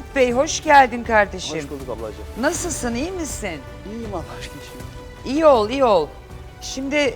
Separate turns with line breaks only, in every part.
Rafet Bey hoş geldin kardeşim.
Hoş bulduk ablacığım.
Nasılsın, iyi misin?
İyiyim Allah aşkına.
İyi ol, iyi ol. Şimdi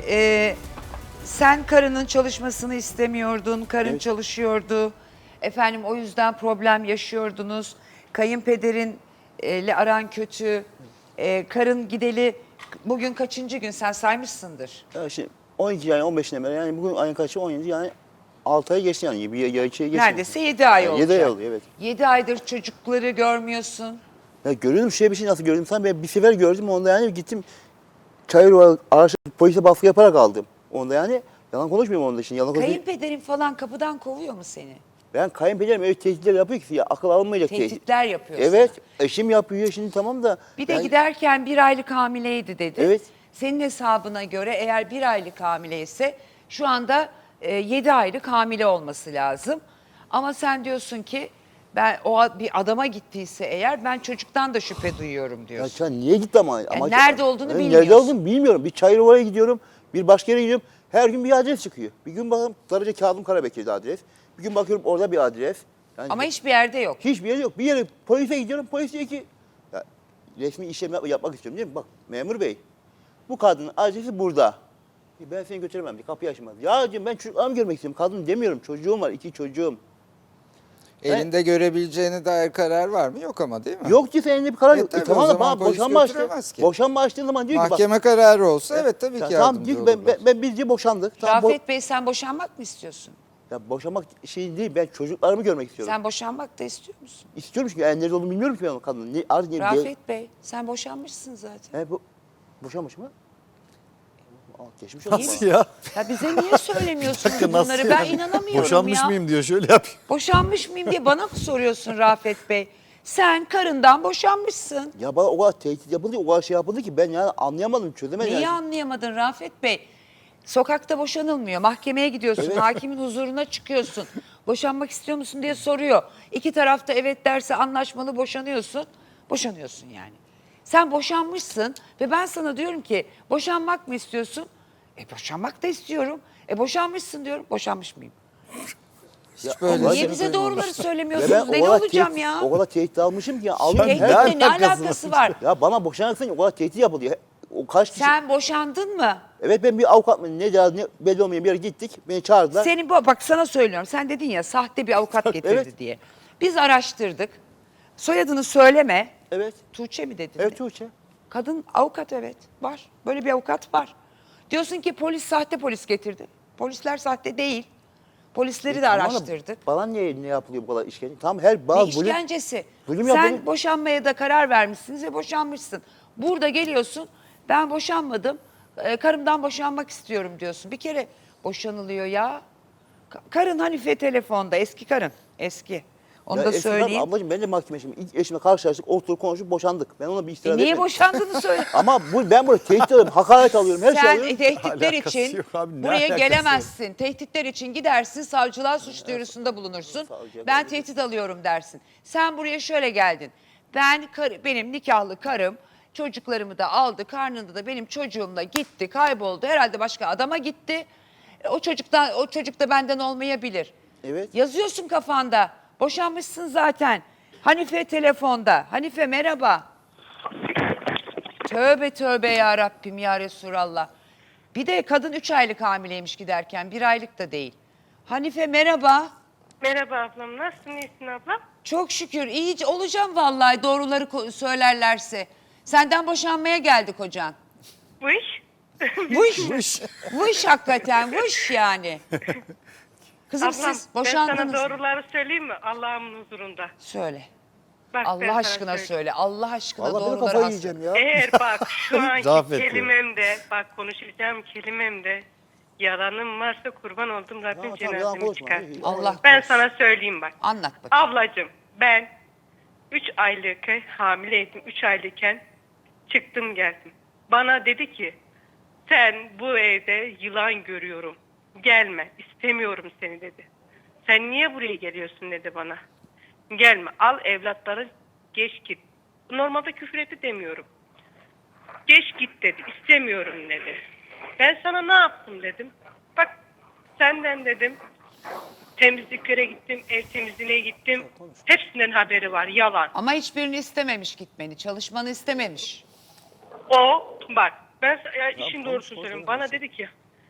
sen karının çalışmasını istemiyordun, karın
Evet.
çalışıyordu. Efendim o yüzden problem yaşıyordunuz. Kayınpederinle aran kötü. Karın gideli bugün kaçıncı gün sen saymışsındır.
Ya şimdi 12 yani 15'ine beri yani bugün ayın kaçı 17 yani 6 ay geçti yani bir ya 2 ay geçti.
Neredeyse 7 ay
Yani
olacak.
7 ay oldu evet.
7 aydır çocukları görmüyorsun.
Ya görüyorum şöyle bir şey nasıl gördüm sen ben bir sefer gördüm onda yani gittim Çayırova araştırıp polise baskı yaparak aldım. Onda yani yalan konuşmuyorum onda şimdi yalan konuşmuyorum.
Kayınpederin falan kapıdan kovuyor mu seni?
Ben kayınpederim öyle tehditler yapıyor ki ya akıl alınmayacak tehdit.
Tehditler yapıyor
Evet
sana.
eşim yapıyor şimdi tamam da.
Bir de
yani-
giderken 1 aylık hamileydi dedi.
Evet.
Senin hesabına göre eğer 1 aylık hamileyse şu anda 7 aylık hamile olması lazım. Ama sen diyorsun ki ben bir adama gittiyse eğer ben çocuktan da şüphe duyuyorum
Ya
diyorsun.
sen niye gitti ama?
nerede olduğunu
Ben
bilmiyorsun.
Nerede olduğunu bilmiyorum. Bir Çayırova'ya gidiyorum, bir başka yere gidiyorum. Her gün bir adres çıkıyor. Bir gün bakalım Darıca Kazım Karabekir'de adres. Bir gün bakıyorum orada bir adres. Yani
Ama hiçbir yerde yok.
hiçbir yer yok. Bir yere polise gidiyorum. Polis diyor ki ya, resmi işlem yapmak istiyorum değil mi? Bak memur bey bu kadının adresi burada. Ben seni götüremem diye kapıyı açmaz. Ya diyorum ben çocuklarımı görmek istiyorum. Kadın demiyorum. Çocuğum var. 2 çocuğum.
Elinde görebileceğine dair karar var mı? Yok ama değil mi?
Yok ki senin elinde bir karar yok.
tabii,
Tamam
o
da
zaman
bana
polis
boşanma açtı.
götüremez ki.
Boşanma açtığı zaman diyor ki bak.
Mahkeme kararı olsa evet tabii ki
Tamam
yardımcı
diyor ki
olurlar.
ben bizce boşandık. Tamam,
Rafet Bey sen boşanmak mı istiyorsun?
ya boşanmak şey değil ben çocuklarımı görmek istiyorum.
Sen boşanmak da istiyor musun?
İstiyorum çünkü yani nerede olduğunu bilmiyorum ki ben o kadının. Ne, ar, ne,
Rafet Bey sen boşanmışsın zaten.
boşanmış mı? Aa, geçmiş
Nasıl
olsun.
Nasıl ya?
Ya bize niye söylemiyorsunuz
Nasıl
bunları? Ben
yani?
inanamıyorum
Boşanmış
ya.
mıyım diyor şöyle yapıyor.
Boşanmış mıyım diye bana mı soruyorsun Rafet Bey? Sen karından boşanmışsın.
Ya bana o kadar tehdit yapıldı, o kadar şey yapıldı ki ben yani anlayamadım, çözemedim.
Neyi
yani.
anlayamadın Rafet Bey? Sokakta boşanılmıyor. Mahkemeye gidiyorsun.
Evet.
Hakimin huzuruna çıkıyorsun. Boşanmak istiyor musun diye soruyor. İki tarafta evet derse anlaşmalı boşanıyorsun. Boşanıyorsun yani. Sen boşanmışsın ve ben sana diyorum ki boşanmak mı istiyorsun? Boşanmak da istiyorum. Boşanmışsın diyorum. Boşanmış mıyım?
Hiç böyle
Allah
Niye
şey
bize doğruları
Ve ben
söylemiyorsunuz? Deli olacağım ya.
O kadar tehdit almışım ki ya. Allah'ım
ne
her...
Tehditle ne
alakası
alakası var?
Ya bana boşanacaksın o kadar tehdit yapıldı. O kaç kişi...
Sen boşandın mı?
Evet ben bir avukat mı ne cihaz ne belli olmayan bir yere gittik. Beni çağırdılar.
Senin bak sana söylüyorum. Sen dedin ya sahte bir avukat getirdi
Evet.
diye. Biz araştırdık. Soyadını söyleme.
Evet.
Tuğçe mi dedin?
Evet Tuğçe.
Kadın avukat evet var. Böyle bir avukat var. Diyorsun ki polis sahte polis getirdi. Polisler sahte değil. Polisleri de
Tamam da
araştırdık.
Bana niye ne yapılıyor bu kadar işkence? Tamam her
Ne
bazı bölüm...
işkencesi.
zulüm
Sen
yapılıyor.
boşanmaya da karar vermişsiniz ve boşanmışsın. Burada geliyorsun ben boşanmadım. Karımdan boşanmak istiyorum diyorsun. Bir kere boşanılıyor ya. Karın Hanife telefonda. Eski karın. Eski. Onu da
eskiden
söyleyeyim.
Ablacığım ben de mahkeme şimdi ilk eşimle karşılaştık, oturduk konuşup boşandık. Ben ona bir istirahat
Niye
etmedim.
boşandığını söyle.
Ama ben burada tehdit alıyorum, hakaret alıyorum, her şey
Sen
alıyorum.
tehditler
Alakası
için
yok abi, ne
buraya
alakası
gelemezsin. Tehditler için gidersin, savcılığa suç duyurusunda bulunursun.
savcıya
Ben
böyle-
tehdit alıyorum dersin. Sen buraya şöyle geldin. Benim nikahlı karım çocuklarımı da aldı. Karnında da benim çocuğumla gitti, kayboldu. Herhalde başka adama gitti. O çocuk da benden olmayabilir.
Evet.
Yazıyorsun kafanda. Boşanmışsın zaten. Hanife telefonda. Hanife merhaba. Tövbe tövbe ya Rabbim ya Resulallah. Bir de kadın 3 aylık hamileymiş giderken 1 aylık da değil. Hanife merhaba.
Merhaba ablam. Nasılsın? İyisin ablam?
Çok şükür iyice olacağım vallahi doğruları söylerlerse. Senden boşanmaya geldi kocan.
Bu iş?
Vış. Vış hakikaten vış yani. Kızım
Ablam
siz
ben
boşandınız
sana
mı?
doğruları söyleyeyim mi? Allah'ımın huzurunda.
Söyle.
Bak, ben
Allah
sana
aşkına
söyleyeyim.
söyle. Allah aşkına
Vallahi ben
doğruları
kafayı
as.
yiyeceğim ya.
Eğer bak şu anki
Rafet ya.
kelimemde, bak konuşacağım kelimemde yalanım varsa kurban oldum Rabbim
Tamam, yalan
cenazemi
konuşma.
çıkar.
Allah
Ben
korusun.
sana söyleyeyim bak.
Anlat bakayım.
Ablacığım ben 3 aylık hamileydim. 3 aylıkken çıktım geldim. Bana dedi ki sen bu evde yılan görüyorum. Gelme istemiyorum seni dedi. Sen niye buraya geliyorsun dedi bana. Gelme al evlatları geç git. Normalde küfür etti demiyorum. Geç git dedi istemiyorum dedi. Ben sana ne yaptım dedim. Bak senden dedim Temizliklere gittim, ev temizliğine gittim. Hepsinden haberi var, yalan.
Ama hiçbirini istememiş gitmeni, çalışmanı istememiş.
O, bak ben ya işin doğrusunu söyleyeyim. Bana dedi ki,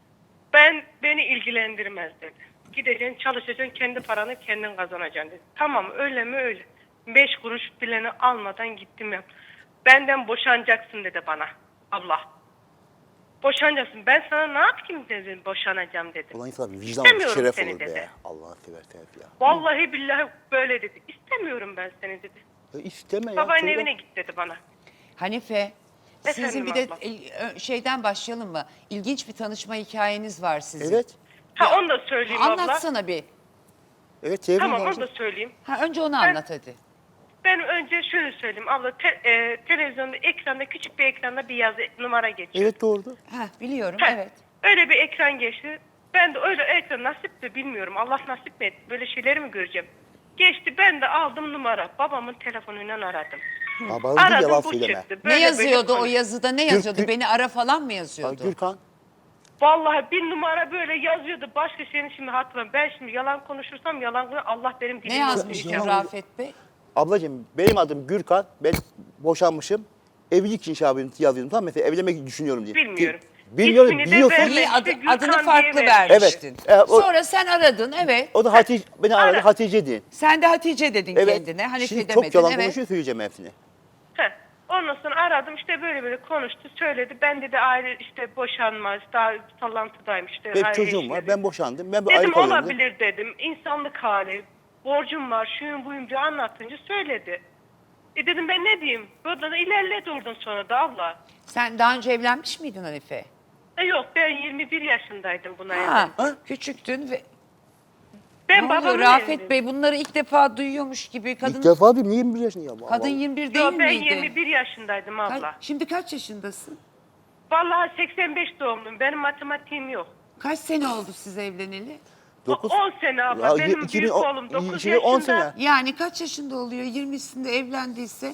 beni ilgilendirmez dedi. Gideceksin, çalışacaksın, kendi paranı kendin kazanacaksın dedi. Tamam, öyle mi öyle. 5 kuruş bileni almadan gittim ya. Benden boşanacaksın dedi bana abla. Boşanacaksın. Ben sana ne yapayım dedim, boşanacağım dedim.
Ulan insan vicdan
İstemiyorum
şeref
seni
olur
dedi.
be. Allah'ını seversen ya.
Vallahi billahi böyle dedi. İstemiyorum ben seni dedi.
Ya isteme ya.
Babanın
söyle.
evine git dedi bana.
Hanife, sizin
Efendim
bir de
abla.
şeyden başlayalım mı? İlginç bir tanışma hikayeniz var sizin.
Evet.
Ha onu da söyleyeyim abla.
Anlatsana bir.
Evet çevirin
Tamam
lazım.
onu da söyleyeyim.
Ha, önce onu anlat hadi.
Ben önce şöyle söyleyeyim abla. Televizyonda ekranda küçük bir ekranda bir yazı numara geçiyor.
Evet doğru.
Ha, biliyorum,
Ha,
evet.
Öyle bir ekran geçti. Ben de öyle ekran nasip de bilmiyorum. Allah nasip mi etti? Böyle şeyleri mi göreceğim? Geçti ben de aldım numara. Babamın telefonuyla aradım.
Babanın yalan
Aradım bu
söyleme.
çıktı.
Ne yazıyordu o
konuş-
yazıda? Ne yazıyordu?
Gür-
Beni ara falan mı
Bak
yazıyordu?
Gürkan.
Vallahi bir numara böyle yazıyordu. Başka şeyini şimdi hatırlamıyorum. Ben şimdi yalan konuşursam yalan Allah benim
Ne
dilimi
yazmıştı
okuyacak.
Rafet Bey?
Ablacığım benim adım Gürkan. Ben boşanmışım. Evlilik inşabını yazıyordum. Tamam mesela evlenmek düşünüyorum diye.
Bilmiyorum.
Bilmiyorum.
İsmini de
Biliyorsun.
verme.
İyi
işte Gürkan
adını
diye
farklı
vermiş.
vermiştin.
Evet, o-
Sonra sen aradın, evet.
O da Hatice, beni aradı
Ara.
Hatice diye.
Sen de Hatice dedin
Evet.
kendine. Hanife
Şimdi
demedin,
çok yalan
evet.
konuşuyor söyleyeceğim hepsini.
Heh. Ondan sonra aradım işte böyle konuştu söyledi. Ben dedi aile işte boşanmaz daha sallantıdaymış işte.
Benim
aile
çocuğum
eşi
var.
dedi.
Ben boşandım. Ben bir ayrı
Dedim
kalıyorum dedim.
olabilir dedim. İnsanlık hali. Borcum var şuyum buyum diye anlattınca söyledi. Dedim ben ne diyeyim? Burada da ilerledi oradan sonra da abla.
Sen daha önce evlenmiş miydin Hanife?
Yok ben 21 yaşındaydım buna.
Ha,
evlendim.
küçüktün ve
Ben
ne oluyor
babamın
Rafet
evliyim.
Bey bunları ilk defa duyuyormuş gibi. Kadın
İlk defa bir 21 yaşında ya.
kadın
Vallahi.
21 değil
Yok ben
miydi?
21 yaşındaydım abla.
Şimdi kaç yaşındasın?
Vallahi 85 doğumluyum. Benim matematiğim yok.
Kaç sene oldu siz evleneli?
9.
10 sene abla.
Ya,
Benim
2010
büyük oğlum 9
2010
yaşında.
sene.
Yani kaç yaşında oluyor? 20'sinde evlendiyse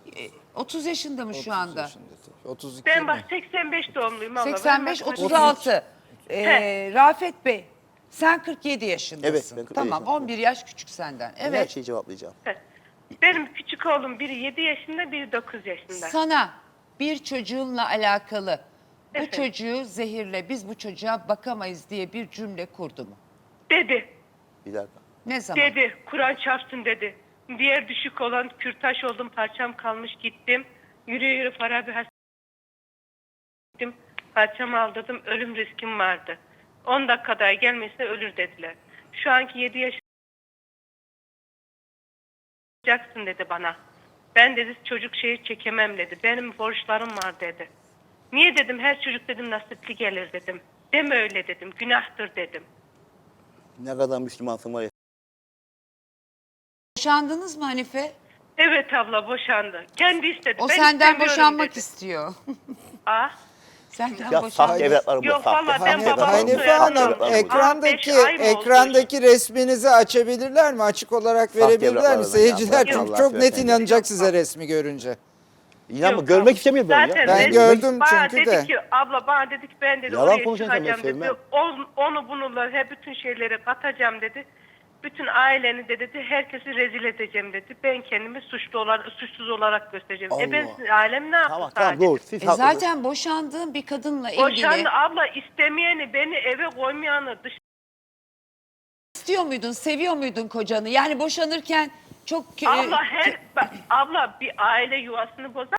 30 yaşında mı şu anda?
32
Ben
mi?
bak 85 doğumluyum abla.
85
Benim matematiğim-
36.
He.
Rafet Bey sen 47 yaşındasın.
Evet, ben 47
Tamam
yaşındayım.
11 yaş küçük senden.
Her
Evet.
şeyi cevaplayacağım.
Benim küçük oğlum biri 7 yaşında, biri 9 yaşında.
Sana bir çocuğunla alakalı bu
Evet.
çocuğu zehirle biz bu çocuğa bakamayız diye bir cümle kurdu mu?
Dedi,
Bir dakika.
Ne zaman?
dedi. Kur'an çarpsın dedi. Diğer düşük olan kürtaş oldum, parçam kalmış gittim. Yürü yürü Farabi gittim. Parçamı aldırdım, ölüm riskim vardı. 10 dakikada gelmese ölür dediler. Şu anki 7 yaşındaysın dedi bana. Ben dedi çocuk şeyi çekemem dedi. Benim borçlarım var dedi. Niye dedim her çocuk dedim nasipli gelir dedim. Deme öyle dedim günahtır dedim.
Ne kadar Müslümansın var ya.
Boşandınız mı Hanife?
Evet abla boşandı. Kendi istedi.
O
Ben
senden
istemiyorum
boşanmak
dedi.
istiyor.
Ah.
Senden
Ya
boşanmak.
sahte evlatlarım
Yok,
var.
vallahi
Sahte
ben
Hanife,
babamın
evlatlarım var.
Hanife
soyadını
Sahte
Hanım
evlatlarım var.
ekrandaki
5 ay mı oldu?
ekrandaki resminizi açabilirler mi? Açık olarak
Sahte
verebilirler mi?
evlatlarım
Seyirciler
ya.
çünkü
Allah
çok net
seversen.
inanacak size resmi görünce.
İnanma
Yok,
görmek
abla.
istemiyorum ben ya.
Zaten
Ben
resmi-
gördüm
bana
çünkü
dedi
de.
ki abla bana dedi ki ben dedi
Yalan
oraya
konuşan insan ben
çıkacağım dedi.
sevmem.
Onu bununla hep bütün şeyleri katacağım dedi. Bütün aileni de dedi herkesi rezil edeceğim dedi. Ben kendimi suçsuz olarak göstereceğim. Ben
Allah.
sizin ailem ne yaptı
Tamam
sadece?
tamam doğru. Siz haklısınız.
Zaten boşandığın bir kadınla ilgili
Boşandı abla istemeyeni beni eve koymayanı
istiyor muydun, seviyor muydun kocanı? Yani boşanırken çok
Abla abla bir aile yuvasını bozar.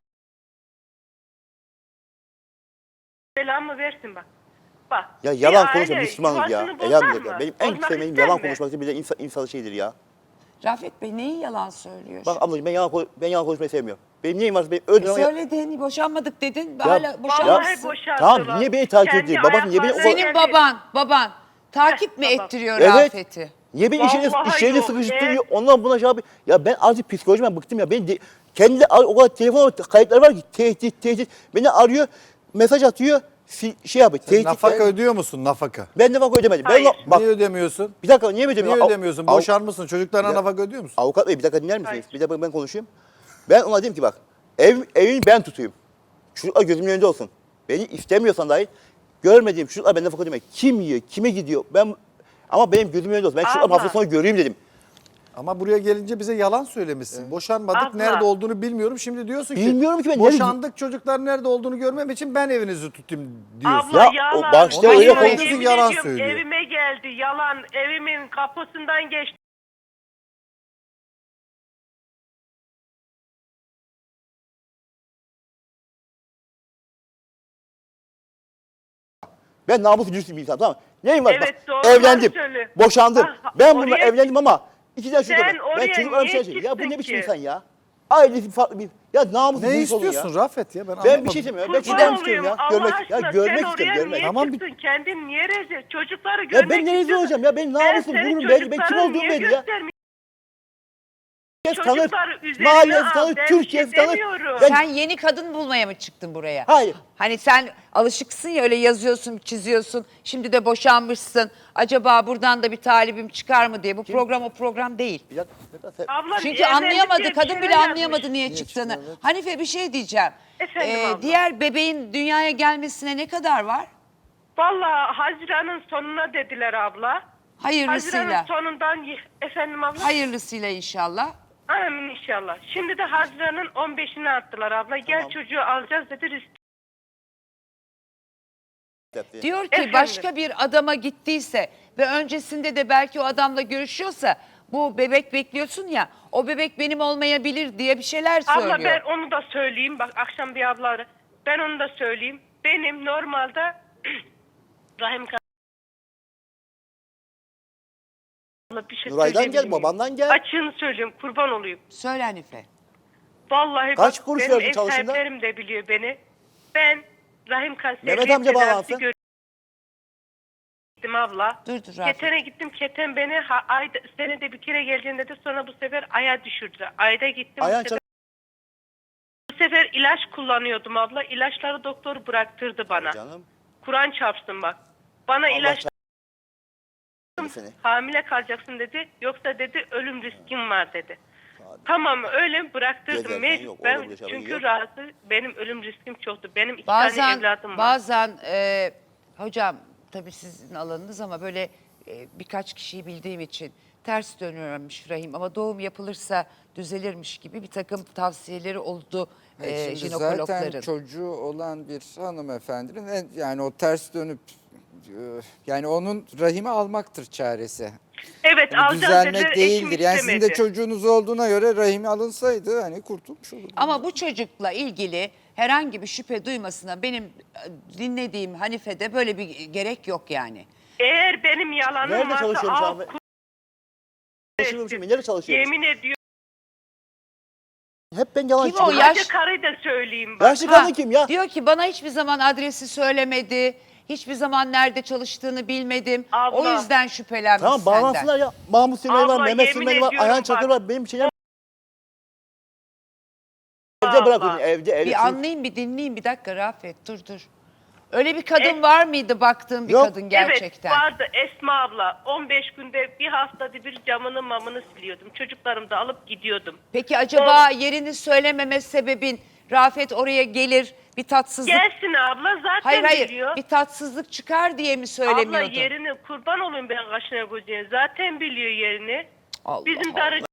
Selamı versin bak. Bak.
Ya
bir
yalan
aile
konuşma Müslümanız ya.
yuvasını bozar
Elhamdülillah.
mı?
Benim en
Bozmak
sevmediğim
ister
yalan
mi?
konuşmak bile insan şeyidir ya.
Rafet Bey neyi yalan söylüyor?
Bak
şimdi?
ablacığım ben yalan konuşmayı sevmiyorum. Benim neyim varsa benim öldürmem.
Söyledin, boşanmadık dedin, hala boşanmışsın.
Vallahi boşandılar.
Tamam, niye beni takip
Kendi
ediyor? Babası niye beni-
ayaklarına
Senin
geldi.
baban takip mi
babam.
ettiriyor
Evet.
Rafet'i?
Niye beni
Vallahi
işlerini
yok,
sıkıştırıyor? Ondan buna şey yapıyor. Ya ben artık psikolojimden bıktım ya. Kendi de o kadar telefon kayıtları var ki tehdit. Beni arıyor, mesaj atıyor, şey yapıyor. Tehdit.
Nafaka ödüyor musun nafaka?
Ben de bak ödemedim.
Hayır.
Bak
Niye ödemiyorsun?
bir dakika niye ödemiyorum?
Niye ödemiyorsun? Boşar mısın? Çocuklarına
Ya-
nafaka ödüyor musun?
Avukat bey bir dakika dinler misiniz?
Hayır.
Bir dakika ben konuşayım. Ben ona dedim ki bak evini ben tutayım. Çocuklar gözümün önünde olsun. Beni istemiyorsan dahi görmediğim çocuklar ben nafaka ödemem. Kim yiyor, kime gidiyor? Ben Ama benim gözüm önünde olsun. Ben çocuklarımı
Abla.
hafta sonu göreyim dedim.
Ama buraya gelince bize yalan söylemişsin. Boşanmadık,
Abla.
nerede olduğunu bilmiyorum. Şimdi diyorsun ki
Bilmiyorum ki ben,
boşandık, çocuklar nerede olduğunu görmem için ben evinizi tutayım diyorsun.
Abla
Ya,
yalan.
o başta
öyle
Yemin
konuşuyorsun,
ediyorum,
yalan söylüyor.
Evime geldi yalan. Evimin kapısından geçti.
Ben namuslu dürüst bir insan, tamam mı? Neyim var?
Evet,
Bak,
doğruları
evlendim,
söyle.
boşandım.
Ah,
Ben bununla
oraya-
evlendim ama 2 tane çocuk
Sen
var. Ben
oraya
çocuklarım
niye
şey Ya bu ne
çıktın
biçim
ki?
insan ya? Ailesi farklı bir... Ya namuslu
Ne
dürüst olun
istiyorsun
ya.
Rafet ya? Ben
Ben bir
anlamadım.
şey istemiyorum. Ben
Kurban
gidem istiyorum ya.
olayım,
Görmek,
Allah
ya
aşkına
görmek
sen
istiyorum,
oraya
görmek.
niye
Tamam,
çıktın? Kendin niye rezil? Çocukları
Ya
görmek
ben ne rezil
istiyorsun.
olacağım ya? Benim
Ben
namusum,
senin
gururum belli. Ben kim
çocukların
olduğum
niye
belli ya.
göstermiyorsun?
Herkes tanır.
Çocuklar üzerine
Mahallesi
al,
tanır,
ben
Türkiye
bir şey
tanır.
demiyorum.
Ben-
Sen yeni kadın bulmaya mı çıktın buraya?
Hayır.
Hani sen alışıksın ya, öyle yazıyorsun, çiziyorsun. Şimdi de boşanmışsın. Acaba buradan da bir talibim çıkar mı diye. Bu program o program değil.
Bir dakika, bir dakika.
Abla,
Çünkü
evlendik
anlayamadı,
diye bir
kadın
şeyler
bile anlayamadı
yazmış.
niye çıktığını.
çıktı, evet.
Hanife, bir şey diyeceğim.
Efendim abla.
Diğer bebeğin dünyaya gelmesine ne kadar var?
Vallahi Haziran'ın sonuna dediler abla.
Hayırlısıyla.
Haziran'ın sonundan efendim abla.
Hayırlısıyla inşallah.
Amin inşallah. Şimdi de Haziran'ın 15'ine attılar abla. Gel çocuğu alacağız dedi.
Diyor ki
Efendim?
başka bir adama gittiyse ve öncesinde de belki o adamla görüşüyorsa, bu bebek bekliyorsun ya, o bebek benim olmayabilir diye bir şeyler söylüyor.
Abla ben onu da söyleyeyim. Bak akşam bir abla aradı. Ben onu da söyleyeyim. Benim normalde rahim Abla bir şey
Nuray'dan
söyleyebilir
gel,
miyim?
babandan gel.
Açığını söylüyorum, kurban olayım.
Söyle Hanife.
Vallahi
Kaç
bak,
kuruş
benim
verdin
ev
çalışında?
sahiplerim de biliyor beni. Ben rahim kanserliği
Mehmet amca
tedavisi
bağlansın.
gittim abla.
Dur, Rafet.
Keten'e gittim. Keten beni ayda, senede bir kere geleceğim dedi. Sonra bu sefer aya düşürdü. Ayda gittim.
Ayağın
Bu sefer ilaç kullanıyordum abla. İlaçları doktor bıraktırdı bana.
Canım.
Kur'an çarpsın bak. Bana ilaç
Seni.
hamile kalacaksın dedi. Yoksa dedi ölüm riskin var dedi. Tamam öyle bıraktırdım.
Gezerken yok, orada
Ben
bir şey
çünkü
yok.
rahatsız, benim ölüm riskim çoktu. Benim 2 tane evladım var.
Bazen hocam tabii sizin alanınız ama böyle birkaç kişiyi bildiğim için ters dönüyormuş rahim, ama doğum yapılırsa düzelirmiş gibi bir takım tavsiyeleri oldu
Şimdi
jinekologların.
zaten çocuğu olan bir hanımefendinin yani o ters dönüp yani onun rahimi almaktır çaresi.
Evet
Yani
alacağım
düzelmek
dediler, eşim
değildir. Yani sizin de
istemedi.
çocuğunuz olduğuna göre rahimi alınsaydı hani kurtulmuş olurdu.
Ama bu çocukla ilgili herhangi bir şüphe duymasına benim dinlediğim Hanife'de böyle bir gerek yok yani.
Eğer benim yalanım
Nerede
varsa
çalışıyormuş
al,
abi? Çalışıyormuş, nerede çalışıyormuş?
yemin ediyorum.
Hep ben yalan
Kim o
çıkıyorum.
yaş-
Hacı karıyı da söyleyeyim bak.
Yaşlı kadın kim ya?
Diyor ki bana hiçbir zaman adresi söylemedi. Hiçbir zaman nerede çalıştığını bilmedim.
Abla.
O yüzden şüphelenmiş
Tamam
senden.
bağlansınlar ya. Mahmut Süleyman var,
Abla,
Mehmet
yemin
Süleyman var,
ediyorum
Ayhan
bak.
Çakır var. Benim şeyler...
Abla.
Evde bırakın, evde.
Bir anlayayım, bir dinleyeyim, bir dakika Rafet, dur. Öyle bir kadın
E-
var mıydı baktığın bir
Yok.
kadın gerçekten?
Evet vardı Esma abla. 15 günde bir haftada bir camını mamını siliyordum. Çocuklarımı da alıp gidiyordum.
Peki acaba yerini söylememe sebebin Rafet oraya gelir bir tatsızlık...
Gelsin abla zaten
Hayır
biliyor.
bir tatsızlık çıkar diye mi
Abla
söylemiyordun?
yerini kurban olayım ben kaşına gözüne. Zaten biliyor yerini.
Allah
Bizim
Allah.
darı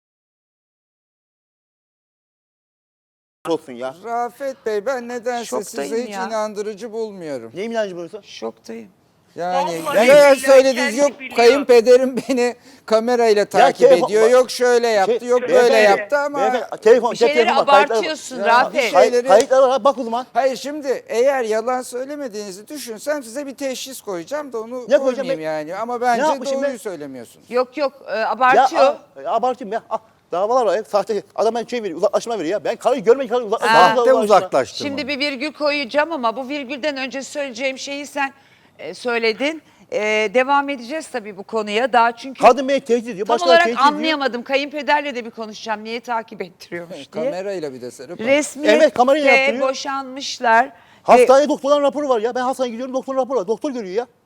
olsun ya.
Rafet Bey ben nedense
Şoktayım
size hiç
ya.
inandırıcı bulmuyorum.
Neyim inancı buyursa?
Şoktayım.
Yani
Vallahi
neler
billahi
söylediniz,
kendi
yok
biliyor.
kayınpederim beni kamerayla takip
telefon-
ediyor, yok şöyle yaptı, yok böyle
beyefendi,
yaptı ama...
beyefendi, telefon,
Bir şeyleri
telefon var, kayıtlar var.
abartıyorsun
Ya,
Rafet.
bir şey-
Kayıtlar var, bak o zaman.
Hayır şimdi eğer yalan söylemediğinizi düşünsem size bir teşhis koyacağım da onu
Ne koyacağım
koymayayım
ben?
yani. Ama bence
yapmışım
doğruyu
ben?
söylemiyorsunuz.
Yok
Ya
abartıyor.
abartayım ya. Davalar var ya, sahte. Adam ben şey veriyor, uzaklaşma veriyor ya. Ben karıyı görmek karıyı uzaklaşma.
Sahte uzaklaştırma.
Şimdi bir virgül koyacağım ama bu virgülden önce söyleyeceğim şeyi sen söyledin. Devam edeceğiz tabii bu konuya. Daha çünkü
Kadın beni tehdit ediyor,
tam
başkaları
olarak
tehdit ediyor.
anlayamadım. Kayınpederle de bir konuşacağım. Niye takip ettiriyormuş diye.
Kamerayla bir de Serap Hanım.
Resmiyette
Evet, kamerayla yaptırıyor.
boşanmışlar.
Hastaneye doktorların raporu var ya. Ben hastaneye gidiyorum, doktorun raporu var. Doktor görüyor ya.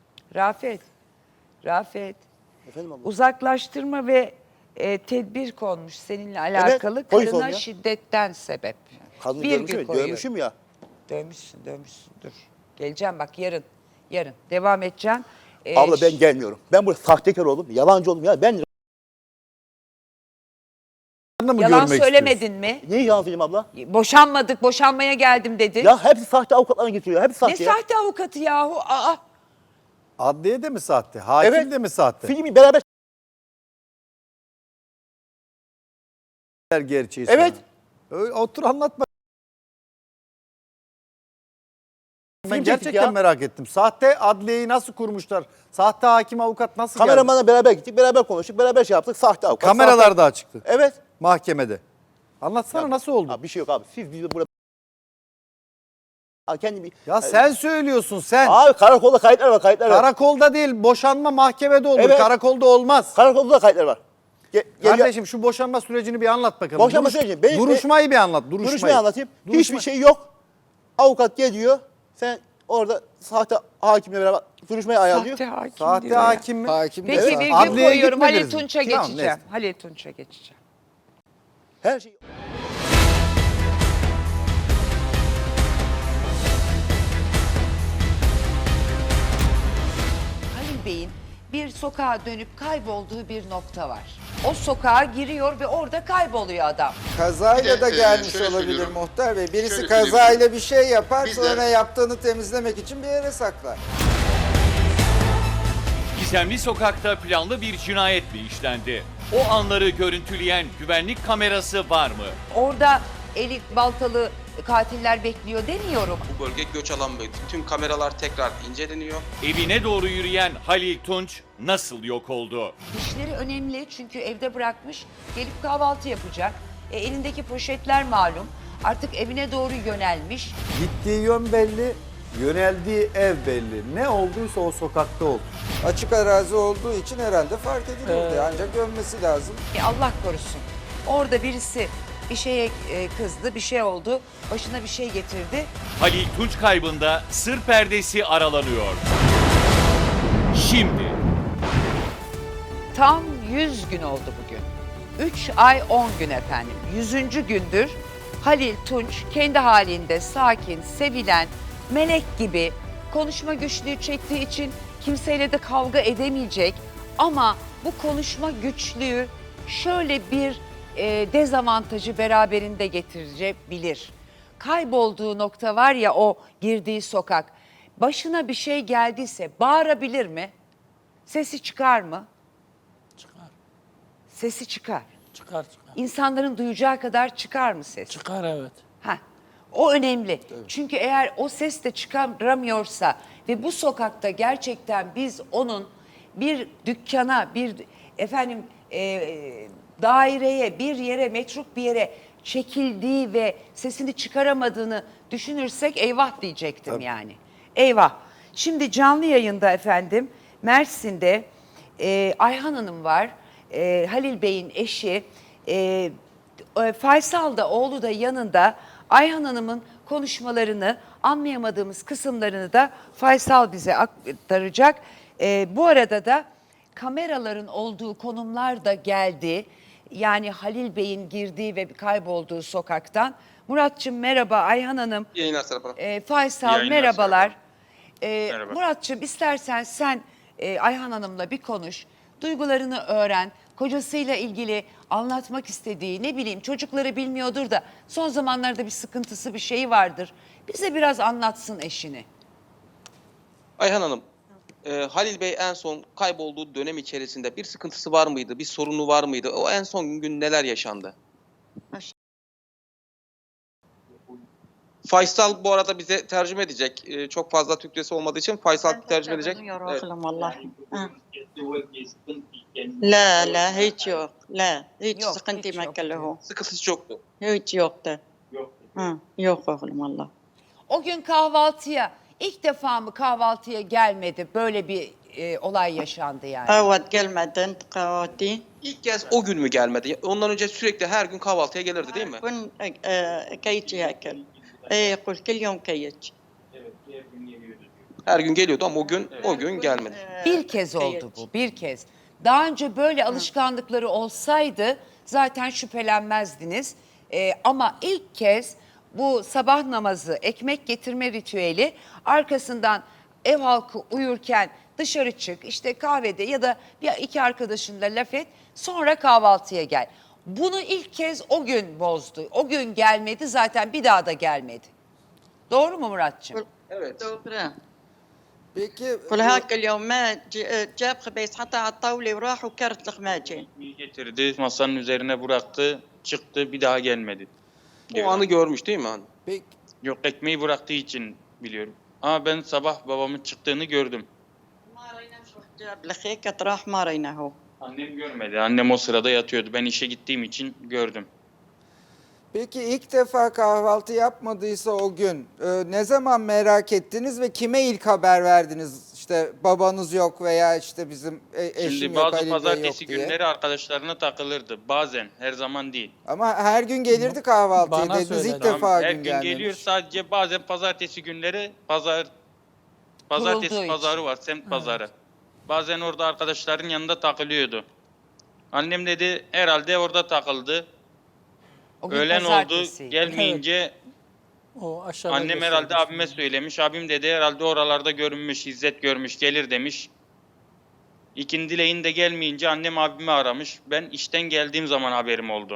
Rafet.
Efendim abla.
Uzaklaştırma ve tedbir konmuş seninle alakalı.
polis
Karına
oluyor.
şiddetten sebep.
Kadını
Virgül
görmüşüm,
koyuyorum.
görmüşüm ya.
Dövmüşsün dur. Geleceğim bak yarın. Devam edeceğim.
Abla ben gelmiyorum. Ben burada sahtekar oldum, yalancı oldum. Ya ben
mı
Yalan
görmek
söylemedin mi?
neyi yalan söyleyeyim abla?
Boşanmadık, boşanmaya geldim dedin.
Ya hepsi sahte avukatlarına getiriyor. Hepsi
Ne
sahte ya.
sahte avukatı yahu? Aa,
Adliye de mi sahte? Hakim
Evet.
de mi sahte?
Filmi beraber.
Gerçeği
Evet.
sana. Öyle, otur anlatma. Ben
Film çektik
gerçekten
ya.
merak ettim. Sahte adliyeyi nasıl kurmuşlar? Sahte hakim avukat nasıl geldi?
Kameramanla beraber gittik, beraber konuştuk, beraber şey yaptık. Sahte avukat.
Kameralar da açıktı.
Sahte. Evet.
Mahkemede. Anlatsana nasıl oldu?
Abi bir şey yok abi. Siz bizi burada... Abi kendi bir...
Ya sen söylüyorsun sen.
Abi karakolda kayıtlar var, kayıtlar var.
Karakolda değil, boşanma mahkemede olur.
Evet.
Karakolda olmaz.
Karakolda da kayıtlar var.
Kardeşim şu boşanma sürecini bir anlat bakalım.
Boşanma süreci.
Duruşmayı bir anlat.
Duruşmayı anlatayım.
Duruşma-
Hiçbir şey yok. Avukat geliyor. Sen orada sahte hakimle beraber duruşmayı ayarlıyor.
sahte hakim
Sahte
diyor ya.
hakim mi?
Hakim de
Peki
sahte.
virgül
Adliyeye
koyuyorum. Halil
gitmediniz mi?
Tunç'a
Tamam,
geçeceğim.
neyse.
Halil Tunç'a geçeceğim.
Her şey...
Halil Bey'in bir sokağa dönüp kaybolduğu bir nokta var. O sokağa giriyor ve orada kayboluyor adam.
Kazayla
Bir de,
da gelmiş
şöyle
olabilir
söylüyorum.
muhtar bey. Birisi
Şöyle
kazayla
söyleyeyim.
bir şey yapar,
Bizler-
sonra yaptığını temizlemek için bir yere saklar.
Gizemli sokakta planlı bir cinayet mi işlendi? O anları görüntüleyen güvenlik kamerası var mı?
Orada eli baltalı katiller bekliyor demiyorum.
Bu bölge göç alan bölge. Tüm kameralar tekrar inceleniyor.
Evine doğru yürüyen Halil Tunç nasıl yok oldu?
İşleri önemli çünkü evde bırakmış, gelip kahvaltı yapacak. Elindeki poşetler malum. Artık evine doğru yönelmiş.
Gittiği yön belli, yöneldiği ev belli. Ne olduysa o sokakta oldu.
Açık arazi olduğu için herhalde fark edilirdi. Ancak gömmesi lazım.
Allah korusun. Orada birisi bir şeye kızdı, bir şey oldu, başına bir şey getirdi.
Halil Tunç kaybında sır perdesi aralanıyor. Şimdi
Tam 100 gün oldu bugün. 3 ay 10 gün efendim. 100. gündür Halil Tunç kendi halinde sakin, sevilen, melek gibi konuşma güçlüğü çektiği için kimseyle de kavga edemeyecek. Ama bu konuşma güçlüğü şöyle bir dezavantajı beraberinde getirebilir. Kaybolduğu nokta var ya, o girdiği sokak. Başına bir şey geldiyse bağırabilir mi? Sesi çıkar mı? Sesi çıkar.
Çıkar.
İnsanların duyacağı kadar çıkar mı ses?
Çıkar evet.
Heh, o önemli. Çünkü eğer o ses de çıkaramıyorsa ve bu sokakta gerçekten biz onun bir dükkana, bir daireye, bir yere, metruk bir yere çekildiği ve sesini çıkaramadığını düşünürsek eyvah diyecektim yani. Eyvah. Şimdi canlı yayında efendim Mersin'de Ayhan Hanım var. Halil Bey'in eşi. Faysal da, oğlu da yanında. Ayhan Hanım'ın konuşmalarını, anlayamadığımız kısımlarını da Faysal bize aktaracak. Bu arada da kameraların olduğu konumlar da geldi. Yani Halil Bey'in girdiği ve kaybolduğu sokaktan. Muratçım merhaba, Ayhan Hanım.
Yayınlar Serap Hanım.
Faysal
Yayınlar
merhabalar.
Merhaba.
Muratçım istersen sen Ayhan Hanım'la bir konuş. Duygularını öğren. Kocasıyla ilgili anlatmak istediği, ne bileyim, çocukları bilmiyordur da son zamanlarda bir sıkıntısı, bir şeyi vardır. Bize biraz anlatsın eşini.
Ayhan Hanım, Halil Bey en son kaybolduğu dönem içerisinde bir sıkıntısı var mıydı? Bir sorunu var mıydı? O en son gün neler yaşandı? Faysal bu arada bize tercüme edecek. Çok fazla Türkçesi olmadığı için Faysal tercüme edecek. Evet.
والله لا لا هيك yok لا hiç
Yok,
sıkıntı
hiç yok
مكله
Sıkıntısı çoktu.
hiç yoktu yok oğlum valla
O gün kahvaltıya, ilk defa mı kahvaltıya gelmedi, böyle bir olay yaşandı yani?
evet gelmedin kahvaltı
İlk kez o gün mü gelmedi? Ondan önce sürekli her gün kahvaltıya gelirdi değil mi?
كن كيتش ياكل قل كل يوم كيتش
Her gün geliyordu ama o gün gelmedi.
Bir kez oldu bu, bir kez. Daha önce böyle alışkanlıkları olsaydı zaten şüphelenmezdiniz. Ama ilk kez bu sabah namazı, ekmek getirme ritüeli, arkasından ev halkı uyurken dışarı çık, işte kahvede ya da bir iki arkadaşınla laf et, sonra kahvaltıya gel. Bunu ilk kez o gün bozdu. O gün gelmedi, zaten bir daha da gelmedi. Doğru mu Muratçığım?
Evet.
دوبرا
Peki
قل هاك اليوم ما جاب خبيز حطها على الطاولة وراح وكرت الخماجة.
Getirdi, masanın üzerine bıraktı, çıktı, bir daha gelmedi.
O anı görmüş değil mi hani?
peki
Yok, ekmeği bıraktığı için biliyorum. Ama ben sabah babamın çıktığını gördüm.
ما رأينا شو جاب لخيكة راح ما رأيناه.
Annem görmedi. Annem o sırada yatıyordu. Ben işe gittiğim için gördüm.
Peki ilk defa kahvaltı yapmadıysa o gün ne zaman merak ettiniz ve kime ilk haber verdiniz? İşte babanız yok veya işte bizim eşim
Şimdi
yok,
bazı
Halil Bey yok
pazartesi
diye.
günleri arkadaşlarına takılırdı. Bazen, her zaman değil.
Ama her gün gelirdi kahvaltıya
Bana
dediniz, ilk
söyledi.
defa
Her
gün
gün
gelmemiş.
geliyor, sadece bazen pazartesi günleri
Kurulduğu
pazartesi
için.
pazarı var, semt pazarı. Bazen orada arkadaşların yanında takılıyordu. Annem dedi herhalde orada takıldı.
O gün
Öğlen oldu,
pazartesiydi.
gelmeyince
O aşağıda
annem herhalde
gösterdi
abime
şimdi.
söylemiş. Abim dedi herhalde oralarda görünmüş, İzzet görmüş, gelir demiş. İkindileyin de gelmeyince annem abimi aramış. Ben işten geldiğim zaman haberim oldu.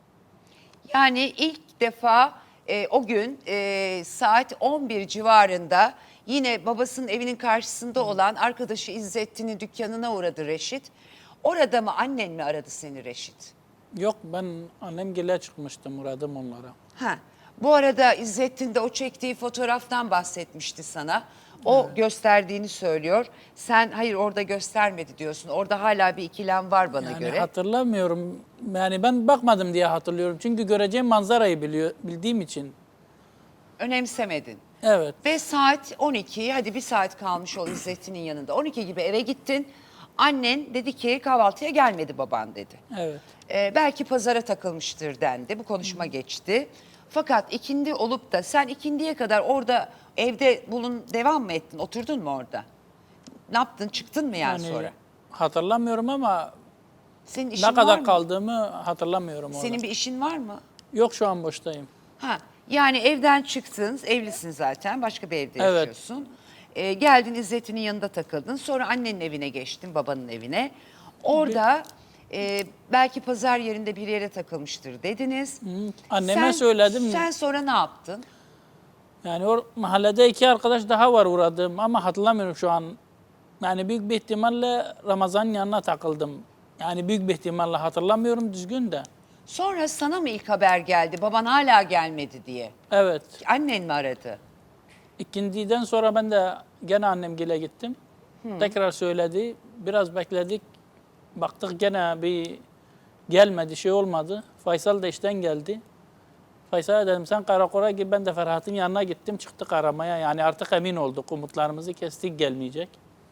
Yani ilk defa o gün saat 11 civarında yine babasının evinin karşısında olan arkadaşı İzzettin'in dükkanına uğradı Reşit. Orada mı, annen mi aradı seni Reşit?
Yok, ben annem gele çıkmıştım, uğradım onlara.
Ha. Bu arada İzzettin de o çektiği fotoğraftan bahsetmişti sana. O gösterdiğini söylüyor. Sen hayır orada göstermedi diyorsun. Orada hala bir ikilem var bana
Yani
göre.
hatırlamıyorum. Yani ben bakmadım diye hatırlıyorum. Çünkü göreceğim manzarayı bildiğim için.
Önemsemedin.
Evet.
Ve saat 12, hadi bir saat kalmış ol İzzettin'in yanında. 12 gibi eve gittin. Annen dedi ki kahvaltıya gelmedi baban dedi.
Evet.
Belki pazara takılmıştır dendi. Bu konuşma geçti. Fakat ikindi olup da sen ikindiye kadar orada evde devam mı ettin? Oturdun mu orada? Ne yaptın? Çıktın mı yani sonra?
Hatırlamıyorum ama
Senin işin
ne
var
kadar
mı?
kaldığımı hatırlamıyorum orada.
Senin bir işin var mı?
Yok, şu an boştayım.
Ha, yani evden çıktın, evlisin zaten, başka bir evde
Evet.
yaşıyorsun. Geldin İzzettin'in yanında takıldın. Sonra annenin evine geçtin, babanın evine. Orada belki pazar yerinde bir yere takılmıştır dediniz.
Anneme söyledim.
Sen sonra ne yaptın?
Yani o mahallede iki arkadaş daha var uğradım ama hatırlamıyorum şu an. Yani büyük bir ihtimalle Ramazan'ın yanına takıldım. Yani büyük bir ihtimalle hatırlamıyorum düzgün de.
Sonra sana mı ilk haber geldi, baban hala gelmedi diye?
Evet.
Annen mi aradı?
İkindiden sonra ben de gene annemgile gittim. Tekrar söyledi. Biraz bekledik. Baktık gene bir gelmedi, şey olmadı. Faysal da işten geldi. Faysal'a dedim sen karakola git, ben de Ferhat'ın yanına gittim, çıktık aramaya. Yani artık emin olduk, umutlarımızı kestik, gelmeyecek.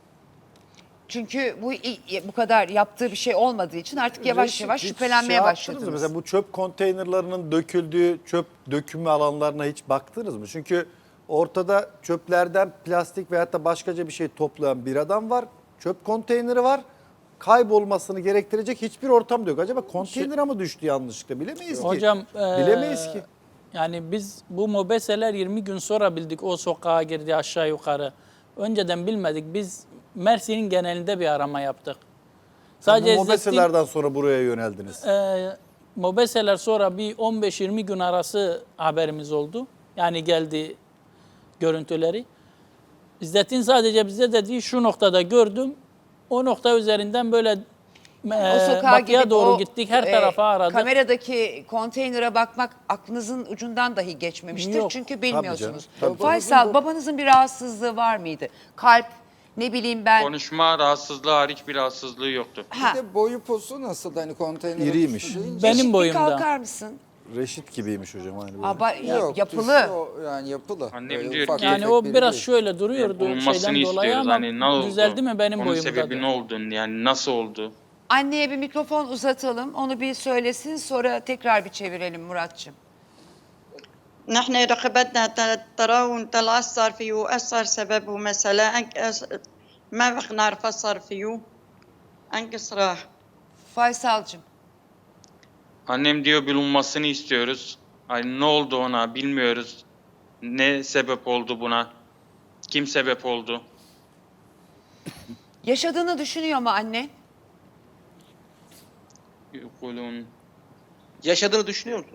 Çünkü bu kadar yaptığı bir şey olmadığı için artık yavaş
Reşit,
yavaş
hiç
şüphelenmeye
yaptınız
başladınız.
mı? Mesela bu çöp konteynerlarının döküldüğü çöp dökümü alanlarına hiç baktınız mı? Çünkü ortada çöplerden plastik veyahut da başkaca bir şey toplayan bir adam var. Çöp konteyneri var. Kaybolmasını gerektirecek hiçbir ortam da yok. Acaba konteynere mi düştü yanlışlıkla? Bilemeyiz ki.
Hocam,
Bilemeyiz ki.
yani biz bu mobeseler 20 gün sonra bildik o sokağa girdi aşağı yukarı. Önceden bilmedik. Biz Mersin'in genelinde bir arama yaptık. Sadece
Bu mobeselerden sonra buraya yöneldiniz.
mobeseler sonra bir 15-20 gün arası haberimiz oldu. Yani geldi görüntüleri. İzzettin sadece bize dedi şu noktada gördüm. O nokta üzerinden böyle
O sokağa
batıya
gidip
doğru
o,
gittik. Her tarafa aradık.
Kameradaki konteynere bakmak aklınızın ucundan dahi geçmemiştir.
Yok.
Çünkü bilmiyorsunuz.
Tabii.
Faysal, babanızın bir rahatsızlığı var mıydı? Kalp, ne bileyim ben.
Konuşma rahatsızlığı hariç bir rahatsızlığı yoktu.
Ha,
Bir de boyu posu nasıl hani konteynere
İriymiş.
düştü deyince-
Benim
bir
boyumda.
kalkar mısın?
Reşit gibiymiş hocam. Hani böyle.
Yok,
Yapılı.
düştü o, yani yapılı.
Annem
Öyle
diyor
ufak
ki-
Yani
tefek
o
biri
biraz
değil.
şöyle duruyordu
Bulunmasını
şeyden dolayı
istiyoruz.
ama
Hani ne oldu?
düzeldi mi benim
Onun
boyumda?
sebebi ne oldu? Yani nasıl oldu?
Anneye bir mikrofon uzatalım. Onu bir söylesin, sonra tekrar bir çevirelim Muratçığım.
نحن رقبتنا التراون طلع صار فيه وأثر سببه مثلا ما بق نعرف أثر فيه أنكس راح.
Faysal'cığım.
Annem diyor bulunmasını istiyoruz. Hani ne oldu ona bilmiyoruz. Ne sebep oldu buna? Kim sebep oldu?
Yaşadığını düşünüyor mu anne?
يقولون
Yaşadığını düşünüyor musun?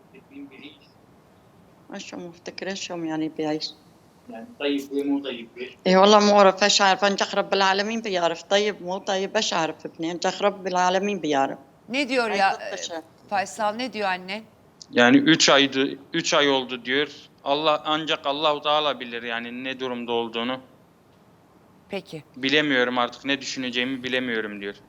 شو مفتكرة شو يعني بيعيش
يعني طيب مو طيب ليش؟
إيه والله مو عارف ايش عارف انجح رب العالمين بيعرف طيب مو طيب ايش عارف ابني انجح رب العالمين بيعرف
Ne diyor
Ay,
ya
çok teşekkür.
Faysal, ne diyor anne?
Yani 3 ay oldu diyor. Ancak Allahu Teala bilir yani ne durumda olduğunu.
Peki.
Bilemiyorum artık, ne düşüneceğimi bilemiyorum diyor.